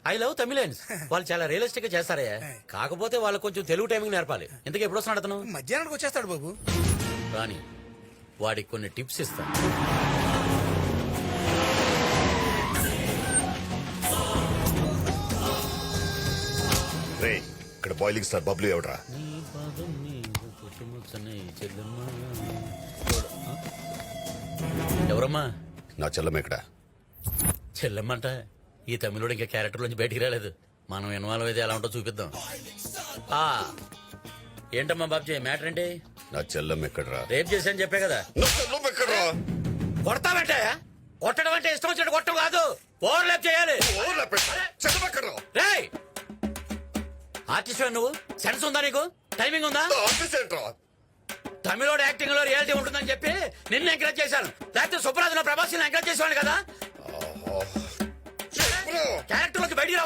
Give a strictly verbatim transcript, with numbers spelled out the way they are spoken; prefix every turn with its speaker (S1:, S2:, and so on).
S1: I love Tamilians. వాళ్ళు చాలా realistic గా చేస్తారయ్యా. కాకపోతే వాళ్ళు కొంచెం తెలుగు టైమింగ్ నేర్పాలి. ఇంతకీ ఎప్పుడు వస్తున్నాడు అతను?
S2: మధ్యాహ్నానికి వచ్చేస్తాడు బాబు.
S1: రాని వాడికి కొన్ని టిప్స్ ఇస్తాను.
S3: రే ఇక్కడ బాయిలింగ్ స్టార్ బబ్లు ఎవడరా?
S1: ఎవరమ్మా?
S3: నా చెల్లమ్మ ఇక్కడ.
S1: చెల్లెమ్మంట. ఈ తమిళుడు ఇంకా క్యారెక్టర్ నుంచి బయటికి రాలేదు. మనం ఇన్వాల్వ్ అయితే ఎలా ఉంటో చూపిద్దాం. ఆ ఏంటమ్మా బాబ్జీ మ్యాటర్ ఏంటి?
S3: నా చెల్లమ్మ ఎక్కడరా?
S1: రేప్ చేశాను చెప్పే కదా.
S3: నా చెల్లమ్మ ఎక్కడరా?
S1: కొడతామంటే కొట్టడం అంటే ఇష్టం వచ్చినట్టు కొట్టడం కాదు, ఓవర్ ల్యాప్ చేయాలి.
S3: చెల్లమ్మ ఎక్కడరా?
S1: రేయ్ ఆర్టిస్ట్ నువ్వు, సెన్స్ ఉందా నీకు? టైమింగ్ ఉందా? తమిళోడు యాక్టింగ్ లో రియాలిటీ ఉంటుందని చెప్పి నిన్ను ఎంకరేజ్ చేశాను. లేకపోతే సుప్రాజ్ లో ప్రభాస్ ఎంకరేజ్ చేసేవాడు కదా. క్యారెక్టర్ లోకి బయటికి